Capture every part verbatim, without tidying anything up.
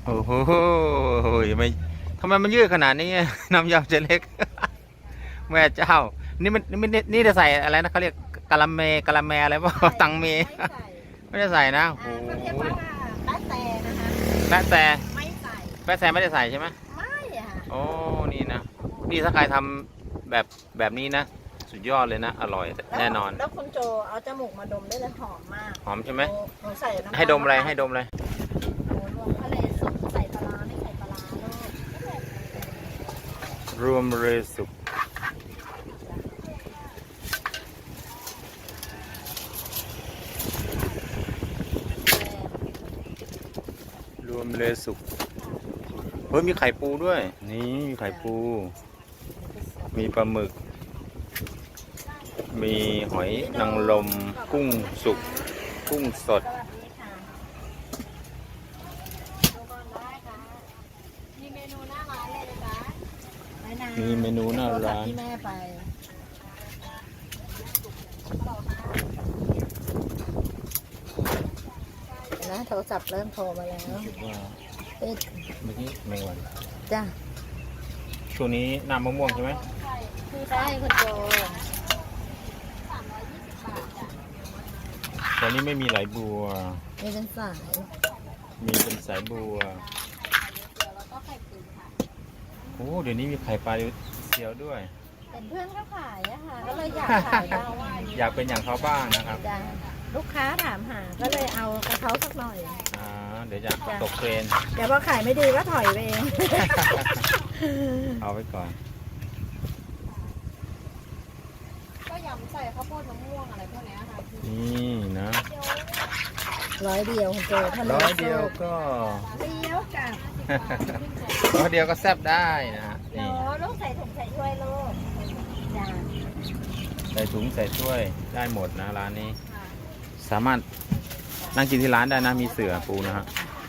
โอ้โหไม่ทำไมมันยืดขนาดนี้ น้ำยำเจเล็ก แม่เจ้า นี่มันนี่มันนี่จะใส่อะไรนะเขาเรียกกะละเมกะละแมอะไรป่ะตังเม ไม่ได้ใส่นะโอ้โหเขาเรียกว่าแป๊ะแต่นะคะแปะแต่ไม่ใส่แปะแต่ไม่ได้ใส่ใช่ไหมไม่อะค่ะโอ้นี่นะนี่ถ้าใครทำแบบแบบนี้นะสุดยอดเลยนะอร่อยแน่นอนแล้วคุณโจเอาจมูกมาดมได้เลยหอมมากหอมใช่ไหมหนูใส่น้ำให้ดมอะไรให้ดมอะไรโอ้รวมทะเลสุกใส่ปลาร้าไม่ใส่ปลาร้าลูกรวมเลยสุกรวมเลยสุกเฮ้ยมีไข่ปูด้วยนี่มีไข่ปู มีปลาหมึก มีหอยนางรมกุ้งสุกกุ้งสดสวัสดีค่ะดูก่อนได้ค่ะมีเมนูหน้าร้านเลยนะจ๊ะไม่นานมีเมนูหน้าร้านที่แม่ไปนะโทรศัพท์เริ่มโทรมาแล้วคิดว่าติดเมื่อกี้แมงวันจ้ะช่วงนี้น้ำมะม่วงใช่ไหมใช่คุณโจตอนนี้ไม่มีไหลบัวมีเป็นสายมีเป็นสายบัวโอ้เดี๋ยวนี้มีไข่ปลาเซียวด้วยเห็นเพื่อนเขาขายอะค่ะ ก็เลยอยากขายบ้างอยากเป็นอย่างเขาบ้างนะครับจ้ะลูกค้าถามหา ก็เลยเอากระเขาสักหน่อยอ่าเดี๋ยวจะตกเทรนแต่พอขายไม่ดีก็ถอยไปเองเอาไว้ก่อนก็ยำใส่ข้าวโพดมะม่วงอะไรพวกนี้ค่ะนี่นะร้อยเดียวคุณโจทะเลร้อยเดียวก็เดียวกับร้อยเดียวก็แซ่บได้นะฮะโหนี่ลูกใส่ถุงใส่ถ้วยลูกจ้ะใส่ถุงใส่ถ้วยได้หมดนะร้านนี้ สามารถนั่งกินที่ร้านได้นะมีเสื่อปูนะฮะ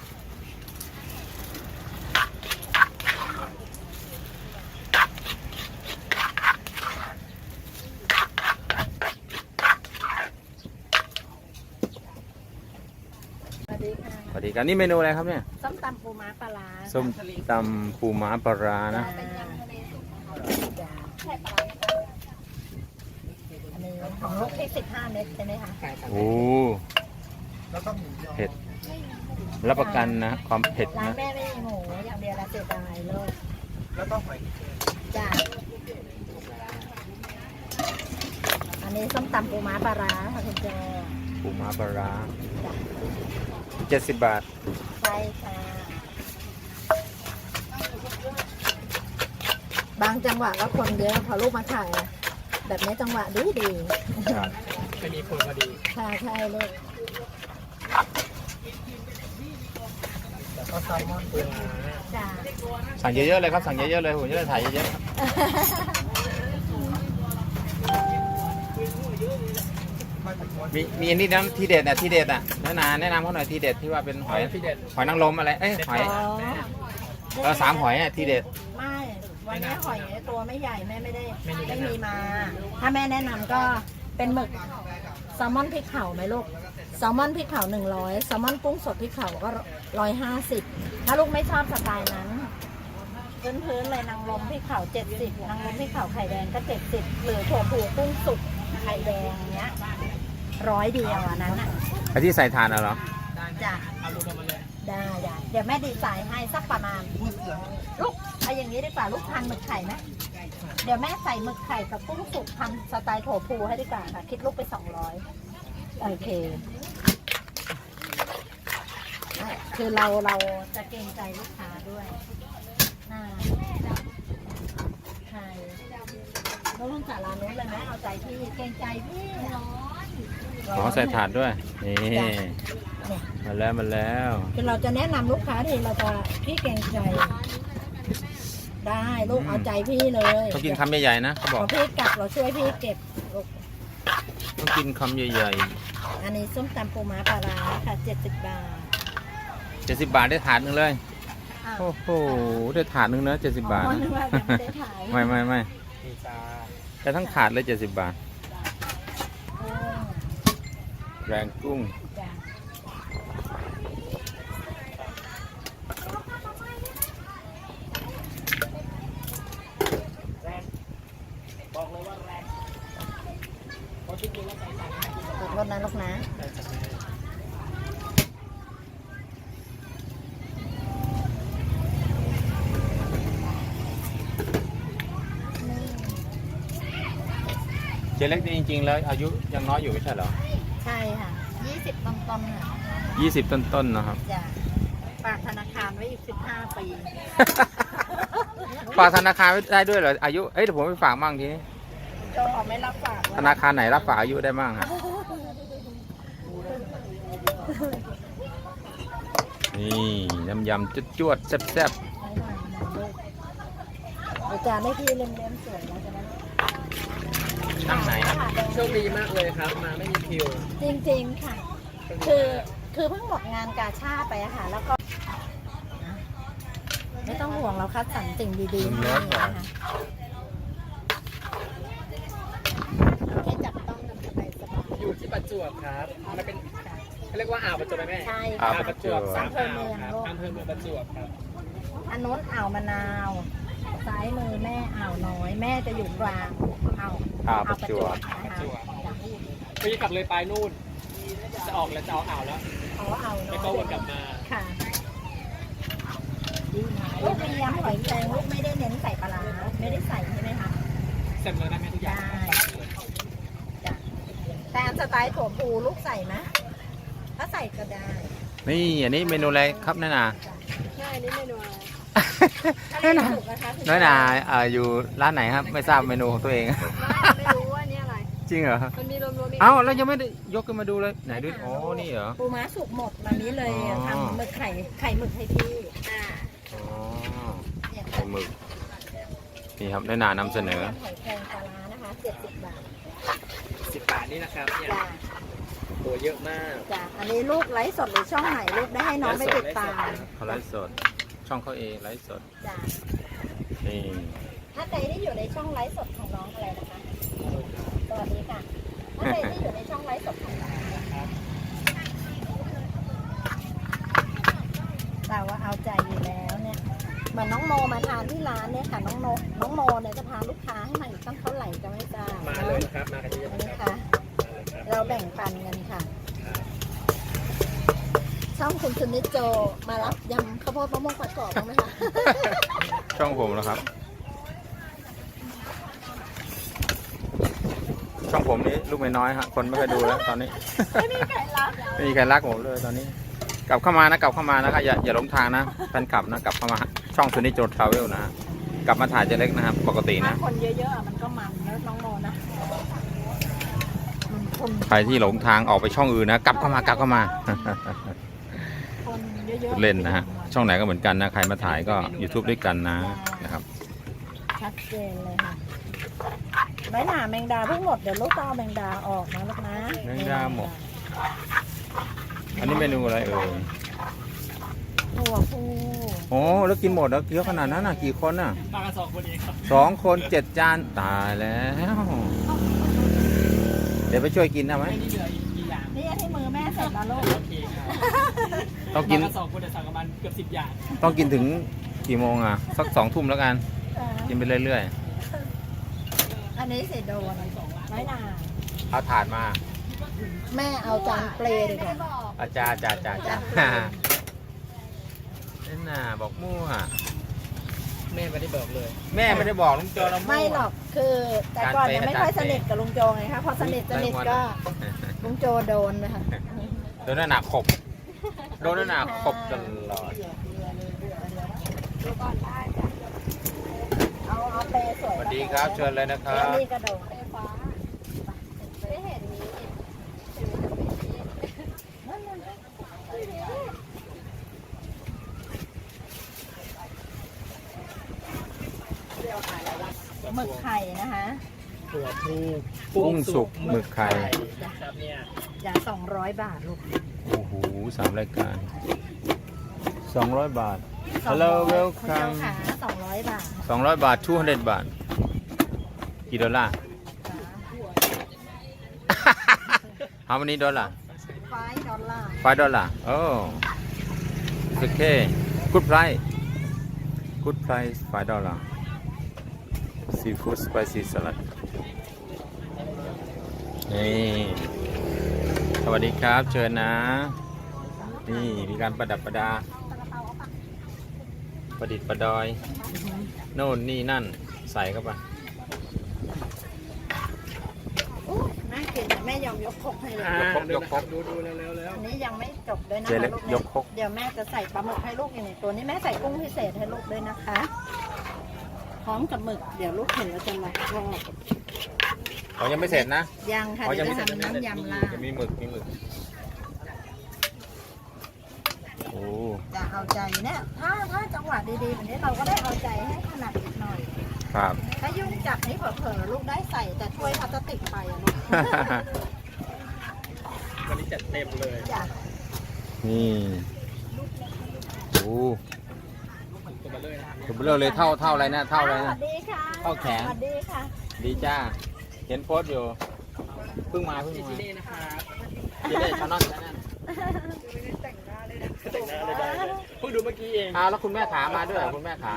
สวัสดีค่ะสวัสดีครับนี่เมนูอะไรครับเนี่ยส้มตำปูม้าปลาร้าส้มตำปูม้าปลาร้านะจ้ะใช่ปลาร้าอันนี้ของลูกที่สิบห้าเม็ดใช่ไหมคะโอ้เผ็ดรับประกันนะความเผ็ดร้านนะแม่ไม่มีหมูอย่างเดียวละเสียดายลูกแล้วก็หอยจ้ะอันนี้ส้มตำปูม้าปลาร้าค่ะคุณโจปูม้าปลาร้าจ้ะเจ็ดสิบบาทใช่ค่ะ บางจังหวะก็คนเยอะพอลูกมาขายอะแบบนี้จังหวะดีดีครับจะมีคนพอดีใช่ใช่ลูกแล้วก็แซลมอนปูม้าจ้ะสั่งเยอะๆเลยครับสั่งเยอะๆเลยผมจะได้ถ่ายเยอะๆมีมีอันนี้นะที่เด็ดอ่ะที่เด็ดอ่ะแนะนำแนะนำเขาหน่อยที่เด็ดที่ว่าเป็นหอยที่เด็ดหอยนางรมอะไรเอ้ยหอยอ๋อเออสามหอยอ่ะที่เด็ดไม่ วันนี้หอยตัวไม่ใหญ่แม่ไม่ได้ไม่มีมา ถ้าแม่แนะนำก็เป็นหมึกแซลมอนพริกเผาไหมลูกแซลมอนพริกเผาหนึ่งร้อยแซลมอนกุ้งสดพริกเผาก็ร้อยห้าสิบถ้าลูกไม่ชอบสไตล์นั้น พื้นๆเลยนางรมพริกเผาเจ็ดสิบนางรมพริกเผาไข่แดงก็เจ็ดสิบหรือถั่วผูกุ้งสุกไข่แดงเนี้ยร้อยเดียวอันนั้นอ่ะไอ้ที่ใส่ถ่านอ่ะเหรอจ้ะเอารวมมาเลยได้ได้เดี๋ยวแม่ดีไซน์ให้สักประมาณลูกเอาอย่างนี้ดีกว่าลูกทานหมึกไข่ไหมเดี๋ยวแม่ใส่หมึกไข่กับกุ้งสุกทำสไตล์ถั่วพูให้ดีกว่าค่ะ คิดลูกไปสองร้อยโอเคอ่ะคือเราเราจะเกรงใจลูกค้าด้วยน่าใช่แล้วลงจากร้านนู้นเลยไหมเอาใจพี่เกรงใจพี่ร้อนขอใส่ถ่านด้วยนี่เนี่ยมาแล้วมาแล้วคือเราจะแนะนำลูกค้าทีเราจะพี่เกรงใจ ได้ลูกเอาใจพี่เลยต้องกินคำใหญ่ๆนะเขาบพอกอพี่กลับเราช่วยพี่เก็บลูกต้องกินคำใหญ่อันนี้ส้มตำปูม้าปลาร้าค่ะเจ็ดสิบบาทๆเจ็ดสิบบาทได้ถาดหนึ่งเลยอ้าวโอ้โหได้ถาดหนึ่งนะเจ็ดสิบบาทอ๋อนะนึกว่ายังไม่ได้ถ่ายไม่ไม่ไม่มีจาแต่ทั้งถาดเลยเจ็ดสิบบาทโอ้แรงกุ้งจ้ะเล็กนี่จริงๆแล้วอายุยังน้อยอยู่ไม่ใช่เหรอใช่ค่ะยี่สิบต้นๆค่ะยี่สิบต้นๆนะครับจะฝากธนาคารไว้อีกสิบห้าปีฝากธนาคารไว้ได้ด้วยเหรออายุเอ้ยเดี๋ยวผมไปฝากมั่งทีนี้โจออกไม่รับฝากธนาคารไหนรับฝากอายุได้มั่งอะนี่น้ำยำจวดๆแซ่บอาจารย์ได้พี่เล่มๆสวยแล้วจะนั้นๆช่างไหนครับโชคดีมากเลยครับ มาไม่มีคิวจริงๆค่ะ คือคือเพิ่งหมดงานกาชาดไปอะค่ะ แล้วก็ ไม่ต้องห่วงเราคัดสรรสิ่งดีๆให้นะคะแค่จับต้องกันสบายสบายอยู่ที่ประจวบครับมันเป็นเขาเรียกว่าอ่าวประจวบไหมแม่ใช่อ่าค่ะวประจวบสามอ่าวครับอำเภอเมืองประจวบครับอันโน้นอ่าวมะนาว ซ้ายมือแม่อ่าวน้อย แม่จะอยู่กลางอ่าวอ่าวประจวบนะคะไปขับเลยไปนู่น จะออกแล้วจะเอาอ่าวแล้วอ๋ออ่าวน้แล้วอยก็วนกลับมาค่ะลูกมียำหอยแครงลูกไม่ได้เน้นใส่ปลาร้าไม่ได้ใส่ใช่ไหมคะเสร็จเลยนะแม่ทุกอย่างได้ จ้ะแต่อันสไตล์ถั่วพูลูกใส่ไหมถ้าใส่ก็ได้นี่อันนี้เมนูอะไรครับน้อยนาใช่นี่เมนูอะไรน้อยนาถูกนะคะคุณน้อยนาเอ่ออยู่ร้านไหนครับไม่ทราบเมนูของตัวเองไม่รู้ว่านี่อะไรจริงเหรอมันมีรวมๆเอ้าแล้วยังไม่ได้ยกขึ้นมาดูเลยไหนดูโอ้นี่เหรอปูม้าสุกหมดวันนี้เลยอ๋อทำหมึกไข่ไข่หมึกให้พี่อ่าอ๋อเนี่ยไข่หมึกนี่ครับน้อยนานำเสนอหอยแครงปลาร้านะคะเจ็ดสิบบาทสิบบาทนี่นะครับเนี่ยจ้ะโหเยอะมากจ้ะอันนี้ลูกไลฟ์สดหรือช่องไหนลูกได้ให้น้องไปติดตามเขาไลฟ์สดช่องเขาเองไลฟ์สดจ้ะนี่ถ้าใครที่อยู่ในช่องไลฟ์สดของน้องอะไรนะคะ สวัสดีค่ะ ถ้าใครที่อยู่ในช่องไลฟ์สดของน้องเราว่าเอาใจอยู่แล้วเนี่ยเหมือนน้องโมมาทานที่ร้านเนี่ยค่ะ น้องโมน้องโมเนี่ยจะพาลูกค้าให้มาอีกตั้งเท่าไหร่ก็ไม่ทราบมาเลยนะครับ มากันเยอะอันๆนี้ครับค่ะ เราแบ่งปันกันค่ะ ช่องคุณสุนิจโจมารับยำข้าวโพดมะม่วงผัดกรอบบ้างไหมคะช่องผมแล้วครับ ช่องผมนี้ลูกไม่น้อยฮะคนไม่ค่อยดูแล้วตอนนี้ไม่มีใครรับไม่มีใครรักผมเลยตอนนี้ กลับเข้ามานะกลับเข้ามานะครับอย่าอย่าหลงทางนะแฟนคลับนะกลับเข้ามาช่องซูนิโจทราเวลนะฮะกลับมาถ่ายเจเล็กนะครับปกติถ้านะคนเยอะๆอะมันก็มันแล้วน้องโมนะมันคนใครที่หลงทางออกไปช่องอื่นนะกลับเข้ามากลับเข้ามาคนเยอะๆเล่นนะฮะช่องไหนก็เหมือนกันนะใครมาถ่ายก็ YouTube ด้วยกันนะนะครับชัดเจนเลยค่ะไม้หนาแมงดาเพิ่งหมดเดี๋ยวลูกก็เอาแมงดาออกนะลูกนะแมงดาหมด อันนี้เมนูอะไรเอ่ยหัวฟูโอ้แล้วกินหมดแล้วเยอะขนาดนั้นน่ะกี่คนน่ะมากันสองคนเองครับสองคนเจ็ดจานตายแล้ว เดี๋ยวไปช่วยกินได้ไหมไม่นี่เหลืออีกกี่อย่างนี่ที่มือแม่เสร็จแล้วลูกโอเคครับต้องกินมากันสองคนแต่สั่งประมาณเกือบสิบอย่างต้องกินถึงกี่โมงอ่ะสักสองทุ่มแล้วกันเออกินไปเรื่อยอันนี้เสร็จโดนไม้หนาๆเอาถาดมาแม่เอาจานเปลดีกว่าอาจารย์จ่าจ่าจ่านี่น่ะบอกมั่วแม่ไม่ได้บอกเลยแม่ไม่ได้บอกลุงโจเรามั่วไม่หรอกคือ แต่ก่อนเนี่ยไม่ค่อยจานเปสนิทกับลุงโจไงคะพอสนิทสนิทก็ลุงโจโดนนะคะโดนหนาขบโดนหนาขบตลอดดูก่อนได้จ้ะเอาเอาเปลสวยสวัสดีครับเชิญเลยนะครัแล้วบนี่กระโดดไฟฟ้าไม่เห็นมีนั่นนั่นหมึกไข่นะคะถั่วพูกุ้งสุกหมึกไข่ครับเนี่ยอย่างสองร้อยบาทลูกโอ้โหสามรายการสองร้อยบาทสองร้ Hello อย welcome คุณเจ้าขาสองร้อยบาทสองร้อยบาทtwo hundredบาทกี่ดอลลาร์ How many dollar ไฟดอลลาร์ five dollar oh it's okay good price good price five dollar seafood spicy salad นี่สวัสดีครับเชิญนะ นี่มีการประดับประดา ประดิษฐ์ประดอย โน่นนี่นั่นใส่เข้าไปยอมยกครกให้เลยอ่ายกครกยกครกดูดูเร็วเร็วเร็วอันนี้ยังไม่จบด้วยนะเจ๊คะเล็กลูกยเนี่ยกครกเดี๋ยวแม่จะใส่ปลาหมึกให้ลูกอยู่ในตัวนี้แม่ใส่กุ้งพิเศษให้ลูกด้วยนะคะพร้อมกับหมึกเดี๋ยวลูกเห็นแล้วจะมาชอบเขายังไม่เสร็จนะยังค่ะอ๋อเดี๋ยวยังไม่จะเสร็จทำน้ำยำลาจะมีหมึกมีหมึกโอ้จะเอาใจเนี่ยถ้าถ้าจังหวะดีๆแบบนี้เราก็ได้เอาใจให้ขนาดนิดหน่อยครับถ้ายุ่งจับนี่เผลอๆลูกได้ใส่แต่ถ้วยพลาสติกไปอะลูกวันนี้จัดเต็มเลยจ้ะนี่โอ้ตัวมาเลยนะถูกเรื่องเลยเท่าเท่าอะไรนะเท่าอะไรสนะวัสดีค่ะเท่าแขนสวัสดีค่ะดีจ้า เห็นโพสต์อยู่ เพิ่งมาเพิ่งที่มานี่นะครับจะได้ชานอนชาแนลแต่งหน้าเลยได้เลยเพิ่งดูเมื่อกี้เองอ้าวแล้วคุณแม่ขามาด้วยเหรอคุณแม่ขา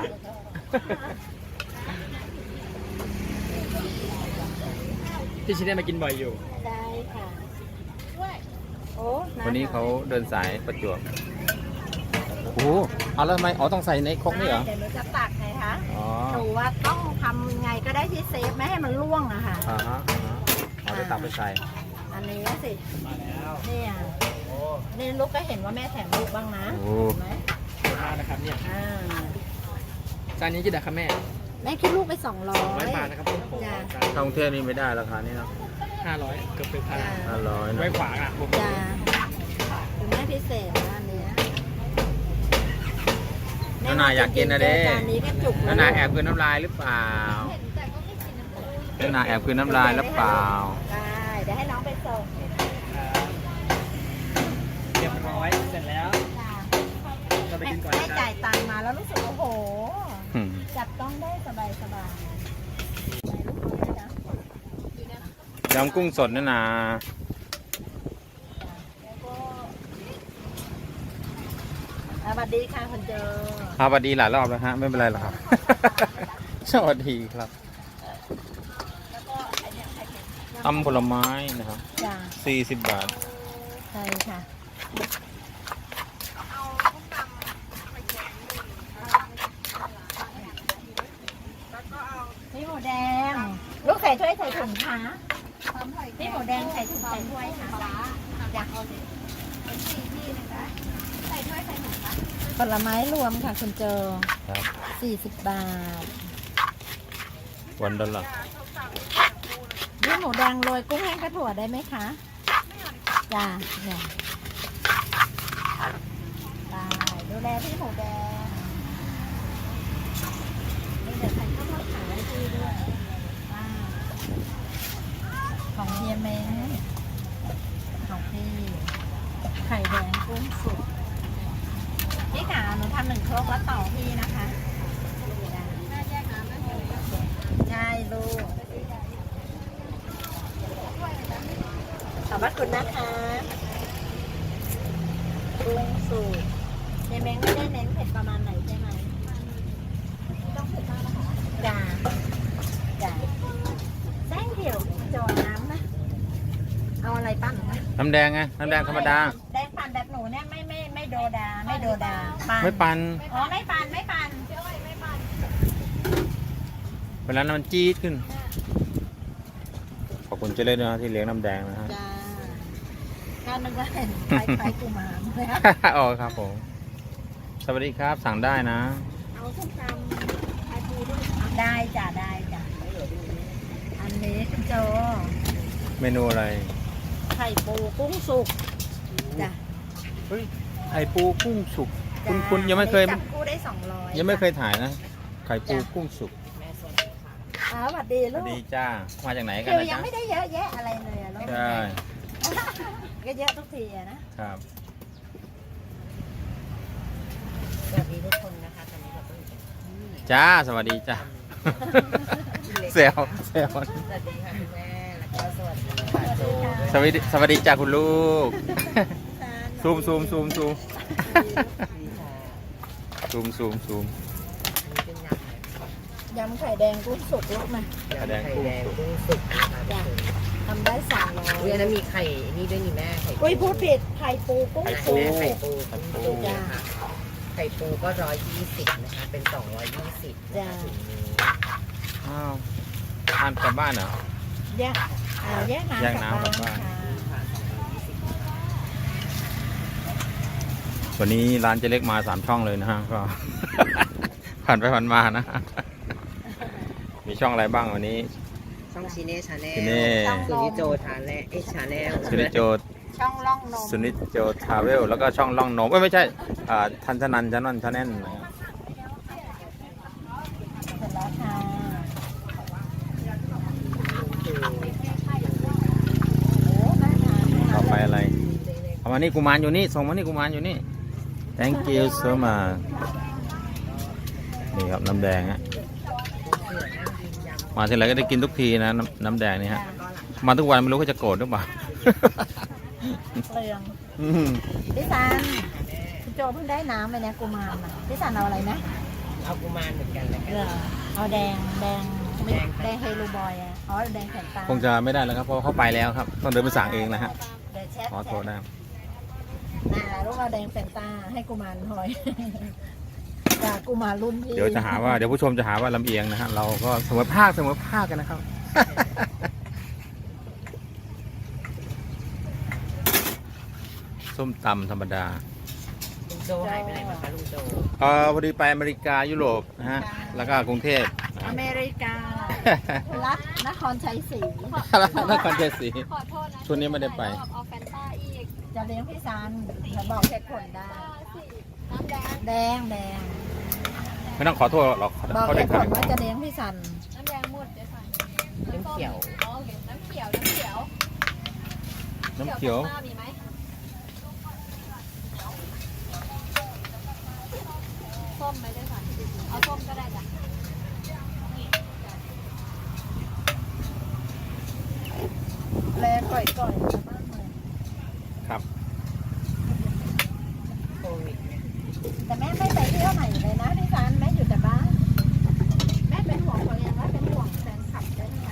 พี่ชินได้มากินบ่อยอยู่ได้ค่ะโอ้ำวันนี้เขาเดินสายประจวบ โอ้โหเอาแล้วทำไมอ๋อต้องใส่ในครกนี่เหรอเดี๋ยวหนูจะตักไงคะอ๋อหนูว่าต้องทำไงก็ได้ที่เซฟไม่ให้มันร่วงอะค่ะอ่าฮะอ่าฮะเอาไปตักไปใส่อันนี้สิมาแล้วเนี่ยโอ้นี่ลูกก็เห็นว่าแม่แถมลูกบ้างนะโอ้เห็นไหมขอบคุณมากนะครับเนี่ยอ่าจานนี้กี่บาทครับแม่แม่คิดลูกไปสองร้อร้อยยบาทนะครับผมจ้ะท่องเที่ยวนี่ไม่ได้ราคานี้เนาะห้าร้อยเกือบเป็นพันห้าร้อยไว้นะขวางอ่ะผมจ้าคือแม่พิเศษนะอันเนี้ยนานาอยากกินนะเด้จานนี้ก็จุกนานาแอบคืนน้ำลายหรือเปล่านานาแอบคืนน้ำลายหรือเปล่าได้เดี๋ยวให้น้องไปส่งเรียบร้อยเสร็จแล้วจ้าเราไปแม่กินก่อนแม่นะครัจ่าบยตังค์มาแล้วรู้สึกโอ้โหอืมจับต้องได้สบายสบายยำกุ้งสดนานาสวัสดีค่ะคุณเจอครับสวัสดีหลายรอบแล้วฮะ ไม่เป็นไรหรอกครับ สวัสดีครับตำผลไม้นะครับจ้าสี่สิบบาทใช่ค่ะพี่หมูแดง ลูกใส่ถ้วยใส่ถุงคะพี่หมูแดงใส่ถุงใส่ถ้วยค่ะจ้ะผลไม้รวมค่ะคุณเจอครับสี่สิบบาทวันดอลลาร์พี่หมูแดงโรยกุ้งแห้งกระถั่วได้ไหมคะจ้าเนี่ยได้ดูแลพี่หมูแดงนี่เดี๋ยวใส่ข้าวผัดขาให้พี่ด้วยอ่าของเฮียเม้งของพี่ไข่แดงกุ้งสุกพี่ขาหนูทำหนึ่งครกแล้วต่อพี่นะคะใช่ลูก ขอบพระคุณนะคะกุ้งสูตรในเม้งไม่ได้เน้นเผ็ดประมาณไหนใช่ไหมไม่ต้องเผ็ดมากนะคะจ้าจ้าแซงเดี่ยวจอน้ำนะ เอาอะไรปั้นนะน้ำแดงไง น้ำแดงธรรมดาแดงปั่นแบบหนูเนี่ยไม่ไม่ไม่โดดาไม่โดดาปั่นไม่ปันอ๋อไม่ปั่นไม่ปั่นเวลานั้นมันจี๊ดขึ้น ขอบคุณเจเล่นนะที่เลี้ยงน้ำแดงนะฮะจ้าถ้านึกว่าเห็นคล้ายๆกุมารเลยค่ะอ๋อครับผม สวัสดีครับ สั่งได้นะเอาส้มตำอาทูด้วยได้จ้ะได้จ้ะอันนี้คุณโจเมนูอะไรไข่ปูกุ้งสุกจ้ะเฮ้ย ไข่ปูกุ้งสุก คุณจ้ะคุณยังไม่เคยจับกู้ได้สองร้อยยังไม่เคยถ่ายนะ ไข่ปูกุ้งสุกอ๋อสวัสดีสลูวักสดีจ้า มาจากไหนกันคือนะยัจ๊ะงไม่ได้เยอะแยะอะไรเลยอะลูกใช่ก็เยอะทุกทีอะนะครับสวัสดีทุกคนนะคะตอนนี้เราก็จ้า สวัสดีจ้าเซลเซลสวัสดีค่ะคุณแม่แล้วก็สวัสดีค่ะโจสวัสดีสวัสดีจ้าคุณลูก ซูมซูมซูมซูมซูมซูมซูมยำไข่แดงกุ้งสุกลูกนะแสดงกุ้งสุกกุ้งสุกนะคะจ้ะทำได้สามร้อยอุ้ยอันนั้นมีไข่นี่ด้วยนี่แม่ไข่อุ้ยพูดผิดไข่ปูกุ้งไข่สุแม่กไข่ปูกุ้งสุกนะคะไข่ปูก็ร้อยยี่สิบนะคะเป็นสองร้อยยี่สิบนะคะถุงนี้อ้าวทานกลับบ้านเหรอไแยกอ่าแยกน้ำแยกน้ำกลับบ้านค่ะวันนี้ร้านเจเล็กมาสามช่องเลยนะฮะก็ ผ่านไปผ่านมานะ มีช่องอะไรบ้างวันนี้ช่องชิเน่ชาแนลชิเน่สุนิโจทาแลเอ็กชาแนลสุนิจโจช่องล่องนมสุนิจโจทราเวลแล้วก็ช่องล่องนมเอ้ยไม่ใช่อ่าทันชนันชนนชาแนลเสร็จแล้วค่ะโอ้น่าทานต่อไปอะไรเอามานี่กุมารอยู่นี่ส่งมานี่กุมารอยู่นี่ thank you so much นี่ครับน้ำแดงฮะมาทีไรก็ได้กินทุกทีนะน้ำน้ำแดงนี่ฮะมาทุกวันไม่รู้เขาจะโกรธหรือเปล่าเปลืองอืมพี่ซันคุณโจเพิ่งได้น้ำไปเนี่ยกุมารน่ะพี่ซันเอาอะไรนะเอากุมารเหมือนกันเลยเออเอาแดงแดงไม่แดงเฮลูบอยอ่ะอ๋อแดงแขนตาคงจะไม่ได้แล้วครับเพราะเขาไปแล้วครับต้องเดินไปสั่งเองนะฮะเดี๋ยวแชทขอโทษนะน่ะลูกเอาแดงแฟนตาให้กุมารหอย จากกุมารรุ่นพี่เดี๋ยวจะหาว่าเดี๋ยวผู้ชมจะหาว่าลำเอียงนะฮะเราก็เสมอภาคเสมอภาคกันนะครับ ส้มตำธรรมดาลุงโจหายไปไหนมาคะลุงโจเออพอดีไปอเมริกายุโรปนะฮะแล้วก็กรุงเทพอเมริการัฐนครชัยศรีนครชัยศรีขอโทษนะช่วงนี้ไม่ได้ไปเอาแฟนต้าอีกจะเลี้ยงพี่ซันจะบอกเหตุผลได้สิน้ำแดงแดงแดงไม่ต้องขอโทษหรอกบอกเขาเหได้ตุผขายลว่าจะเลี้ยงพี่ซันน้ำแดงหมดเดี๋ยวใส่น้ำเขียวอ๋อโอเคน้ำเขียว น้ำเขียวน้ำเขียวต้ามีไหมส้มไหมได้ค่ะเอาส้มก็ได้จ้ะแลก่อยก่อยๆมากเลยครับโควิดเนี่ยแต่แม่ไม่ไปเที่ยวไหนเลยนะพี่ซันแม่อยู่แต่บ้านแม่เป็นห่วงคนเองว่าเป็นห่วงแฟนคลับด้วยนะคะ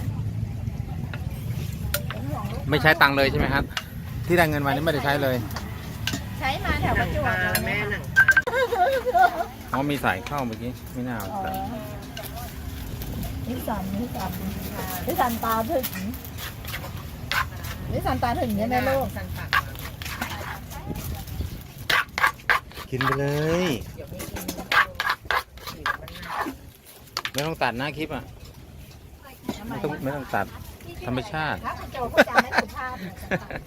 เป็นห่วงลูกไม่ใช้ตังค์เลยใช่ไหมครับ ที่ได้เงินมานี่ไม่ได้ใช้เลยใช้มาแถวหปนัระงจวปบลาเลยแม่นะหนัคะงปลาอ๋อมีสายเข้าเมื่อกี้ไม่น่าเอาอ๋อแต่พี่ซันพี่ซันพี่ซันตาถึงพี่ซันตาถึงใช่ไหมลูกสันปากมากินไปเลยเดี๋ยวไม่กินผิวมันหนาไม่ต้องตัดนะคลิปอ่ะทำไมไม่ต้องไม่ต้องตัดธรรมชาติถ้าคุณโจพูดจาไม่สุภาพเนี่ยจะตัด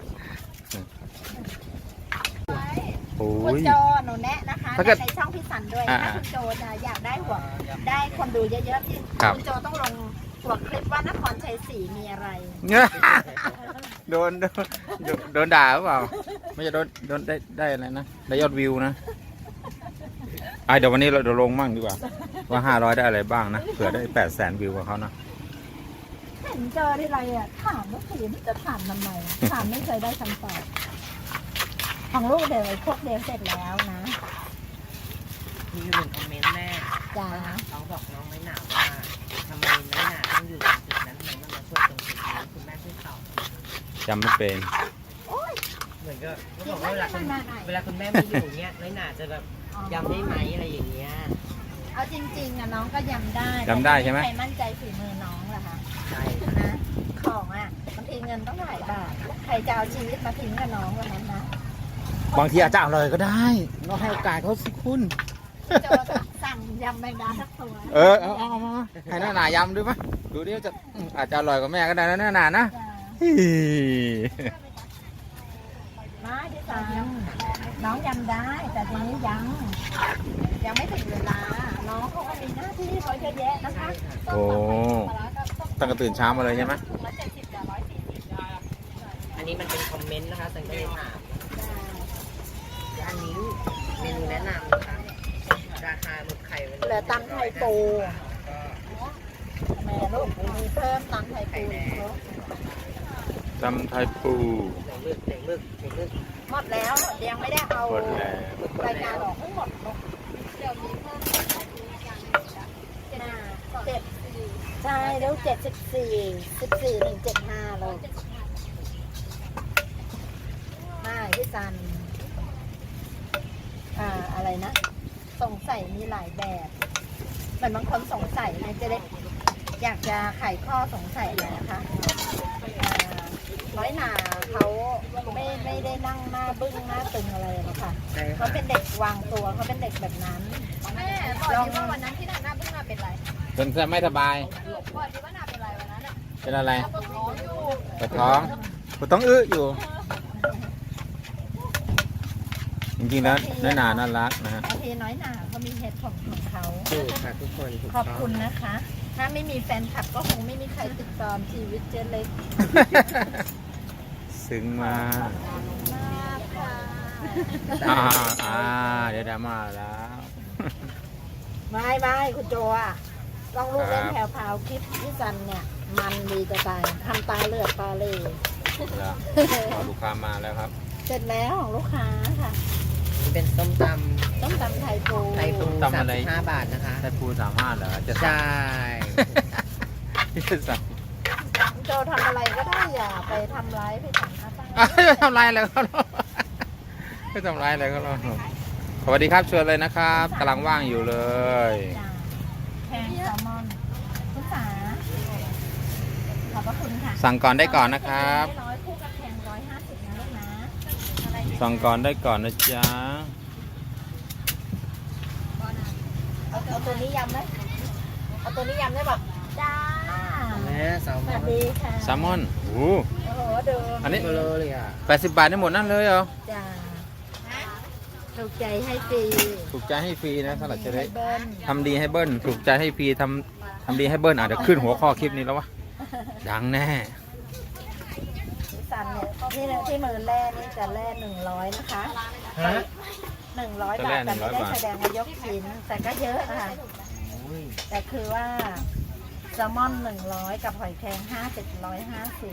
โอ้คุณยโจหนูแนะนะคะถ้าเกิดในช่องพี่สันด้วยอ่าถ้าคุณโจจะอยากได้หัวได้คนดูเยอะๆที่ครับคุณโจต้องลงหัวคลิปว่านครชัยศรีมีอะไรโดนโดนโดนโดนด่าหรือเปล่า ไม่จะโดนโดนได้ได้อะไรนะได้ยอดวิวนะไอะเดี๋ยววันนี้เราเดี๋ยวลงมั่งดีกว่า ว่าห้าร้อยได้อะไรบ้างนะเผื่อได้แปดแสนวิวกับเขานะเห็นเจอที่ไรอ่ะถามว่าผีมันจะถามทำไมถามไม่เคยได้คำตอบของลูกเดี๋ยวไอ้พวกเดียวเสร็จแล้วนะมีอยู่หนึ่งคอมเมนต์แม่จ้าเขาบอกน้องไม่หนาวว่าทำไมน้อยหนาต้องอยู่ตรงจุดนั้นทำไมมันมาช่วยตรงจุดนี้คุณแม่ช่วยตอบจำไม่เป็นเหมือนก็เขาบอกว่าเวลาคุณเวลาคุณแม่ไม่อยู่เนี้ยน้อยหนาจะแบบยำได้ไหมอะไรอย่างเงี้ยเอาจริงๆอ่ะน้องก็ยำได้จำได้ใช่ไหมใครมั่นใจฝีมือน้องล่ะคะใช่นะของอ่ะบางทีเงินต้องหลายบาทใครจะเอาชีวิตมาทิ้งกับน้องวันนั้นนะบางทีอาจจะอร่อยก็ได้เราให้โอกาสเขาสิคุณโจสั่งยำแมงดาสักตัวเออเอาเอาเอามาให้หน้าหนายำดูปะดูดิว่าจะอืมอาจจะอร่อยกว่าแม่ก็ได้นะหน้าหนานะจ้ะฮี่มาที่สามน้องยำได้แต่ทีนี้ยังยังไม่ถึงเวลา น้องเขาก็มีหน้าที่เขาเยอะแยะนะคะโอ้ตั้งแต่ตื่นเช้ามาเลยใช่ไหมถุงละเจ็ดสิบจ้ะร้อยสี่สิบจ้ะอันนี้มันเป็นคอมเมนต์นะคะสังเกตถามอันนี้เมนูแนะนำนะคะราคาหมึกไข่วันนี้เหลือตำไทยปูแม่ลูกมีเพิ่มตำไทยปูอีกเนอะจำไทยปูไหนหมึกไหนหมึกไหนหมึกหมดแล้วยังไม่ได้เอาหมดแล้วรายการออกทั้งหมดลูกเดี๋ยวมีเพิ่มอีกอย่างหนึ่งจ้ะน่าเจ็ดใช่แล้วเจ็ดสิบสี่สิบสี่หนึ่งเจ็ดห้าเลยมาพี่ซัน อ่าอะไรนะ สงสัยมีหลายแบบเหมือนบางคนสงสัยไงจะได้อยากจะไขข้อสงสัยเลยนะคะน้อยหนาเขาไม่ไม่ได้นั่งหน้าบึ้งหน้าตึงอะไรหรอกค่ะใช่เขาค่ะเป็นเด็กวางตัวเขาเป็นเด็กแบบนั้นแม่บอกดิว่าวันนั้นที่หน้าหน้าเพิ่งมาเป็นไรจนจะไม่สบายบอกดิว่าหน้าเป็นไรวันนั้นอ่ะเป็นอะไรปวดท้องอยู่ปวดท้องปวดท้องอื้ออยู่ จริงๆแล้วน้อยหนาน่ารักนะฮะบางทีน้อยหนาเขามีเหตุผลของเขาถูกค่ะทุกคนถูกขอบต้องคุณนะคะ ถ้าไม่มีแฟนคลับก็คงไม่มีใครติดตามชีวิตเจเล็กซึ้งมากมากค่ะอ่าอ่าเดี๋ยวดราม่าแล้วไม่ไม่คุณโจอ่ะต้องลูกเล่นครับแถวพาวคลิปพี่จันเนี่ย มันดีจะตายทำตาเลือดตาเหล่แล้วพอลูกค้ามาแล้วครับเสร็จแล้วของลูกค้าค่ะนี่เป็นส้มตต้องตำไทยปูำไทยปูตำสามอะไรสิบห้าบาทนะคะแต่ปูสามห้าเหรอจะใช่ที่จะสั่งคุณโจทำอะไรก็ได้อย่าไปทำร้ายพี่จันนะป้าอ่ะจะทำลายอะไรเขาหรอไม่ทำลายอะไรเขาหรอสวัสดีครับชวนเลยนะครับกำลังว่างอยู่เลยจ้าแพงแซลมอนคุณสาขอบพระคุณค่ะสั่งก่อนได้ก่อนนะครับร้อยคู่กับแพงร้อยห้าสิบนะลูกนะอะไรอีกสั่งก่อนได้ก่อนนะจ๊ะเอาเอาตัวนี้ยำไหมเอาตัวนี้ยำได้ปะจ้าแม่แซลสมอวัสนดีค่ะแซลมอนโอ้โหโอ้โหเดิมอันนี้เบลอเลยอ่ะแปดสิบบาทได้หมดนั่นเลยเหรอจ้าถูกใจให้ฟรีถูกใจให้ฟรีนะสลัดเจเล็กให้เบิ้ลทำดีให้เบิ้ลถูกใจให้ฟรีทำทำดีให้เบิ้ลอาจจะเดี๋ยวขึ้นหัวข้อคลิปนี้แล้ววะดังแน่พี่สันเนี่ยที่ที่มือแร่นี่จะแร่หนึ่งร้อยนะคะฮะหนึ่งร้อยบาทแต่ไม่ได้แสดงว่ายกชิ้นแต่ก็เยอะนะคะอุ้ยแต่คือว่าแซลมอนหนึ่งร้อยกับหอยแครงห้าสิบร้อยห้าสิบ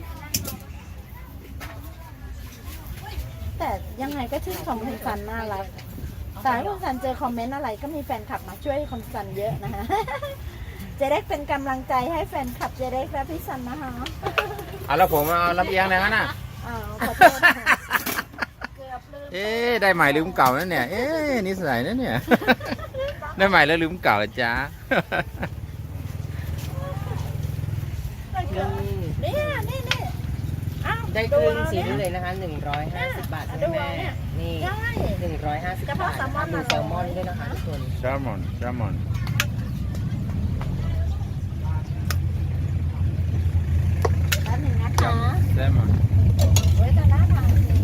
แต่ยังไงก็ชื่นชมคุณซันน่ารักแต่ถ้าคุณซันเจอคอมเมนต์อะไรก็มีแฟนคลับมาช่วยคุณซันเยอะนะคะ เจเด็กเป็นกำลังใจให้แฟนคลับเจเด็กและพี่ซันนะคะเอาแล้วผมเอาลำเอียงเลยงั้นน่ะอ้าวขอโทษนะคะเกือบลืมเอ๊ะได้ใหม่ลืมเก่านั่นเนี่ยเอ๊ะนิสัยนั่นเนี่ย ได้ใหม่แล้วลืมเก่าเหรอจ๊ะนี่นี่นี่อ้าวได้ครึ่งชิ้นเลยนะคะหนึ่งร้อยห้าสิบบาทใช่ไหมแม่นี่ใช่หนึ่งร้อยห้าสิบเฉบาพาะทแซลมอนมีน่ะแซลมอนด้วยนะคะทุกคนแซลมอนแซลมอนแป๊บหนึงนะคะแซลมอนเว้ยแต่น่าทานจริง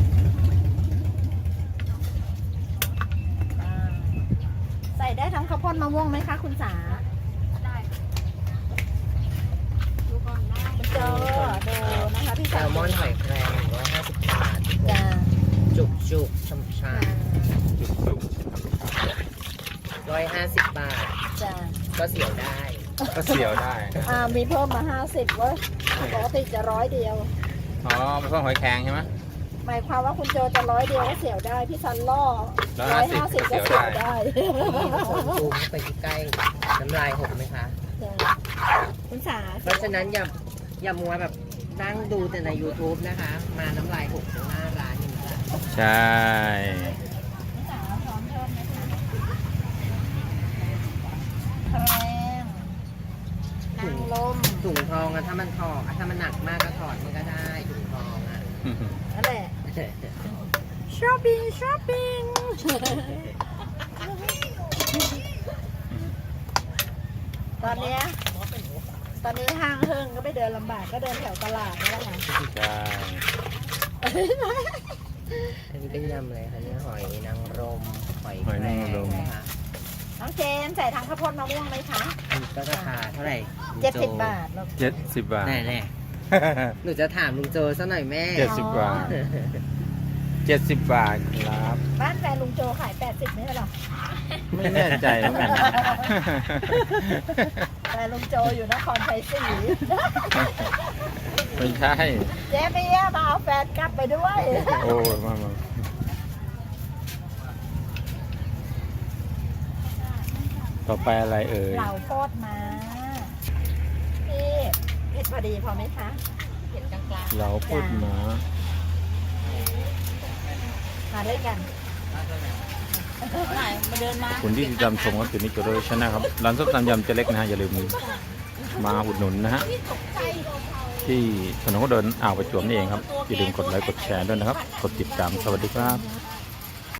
อ่าใส่ได้ทั้งข้าวโพดมะม่วงไหมคะคุณสาได้ดูก่อนได้คุณโจดูนะคะพี่แซสาลมอนหอยแครงหนึ่งร้อยห้าสิบบาทจ้าจุกจุกๆช่ำชาจุกจุกร้อยห้าสิบบาทจ้าก็เสียวได้ก็เสียวได้อ่ามีเพิ่มมาห้าสิบเว้ยปกติจะร้อยเดียวอ๋อมันเพิ่มหอยแครงใช่ไหมหมายความว่าคุณโจจะร้อยเดียวก็เสียวได้ พี่ซันล่อร้ร้ออย ยห้าห้าสิสิบบ ก็ก็เสีเสียยว วได้ได้คนซูมเข้าไปใกล้ๆน้ำลายหกไหมคะจ้ะคุณสาเพราะฉะนั้นอย่าอย่ามัวแบบนั่งดูแต่ใน YouTube นะคะ มาน้ำลายหกตรงหน้าร้านอย่างนี้ละใช่คุณสาพร้อมเพิ่มไหมคะแรงนางลมถุงทองอะถ้ามันถอดอะถ้ามันหนักมากก็ถอดมันก็ได้ถุงทองอะนั่นแหละช้อปปิ้งช้อปปิ้งตอนเนี้ยตอนนี้ห้างเฮิงก็ไม่เดินลำบากก็เดินแถวตลาดนี่แหละค่ะใช่อันนี้เป็นยำเลยค่ะเนี่ยหอยนางรมหอยแครงนะคะน้องเจนใส่ทางข้าวโพดมะม่วงไหมคะอันนี้ก็ราคาเท่าไหร่เจ็ดสิบบาทลูกเจ็ดสิบบาทแน่แน่ๆหนูจะถามลุงโจซะหน่อยแม่เจ็ดสิบบาทเจ็ดสิบบาทครับบ้านแฟนลุงโจขายแปดสิบไม่ใช่หรอไม่แน่ใจเหมือนกันแฟนลุงโจอยู่นครไทยศรีไม่ใช่เจ๊เบียร์มาเอาแฟนกลับไปด้วยโอ้ยมามาต่อไปอะไรเอ่ยเหล่าโคตรมาพี่เผ็ดพอดีพอไหมคะเห็นกลางเราพูดมามาด้วยกันๆไหนมาเดินมาคุณที่ติดตามชมก็คือนิโจโรชนะครับร้านส้มตำยำเจเล็กนะฮะอย่าลืมมาอุดหนุนนะฮะตกใจที่ถนนคนเดินอ่าวประจวบนี่เองครับอย่าลืมกดไลค์กดแชร์ด้วยนะครับกดติดตามสวัสดีครับ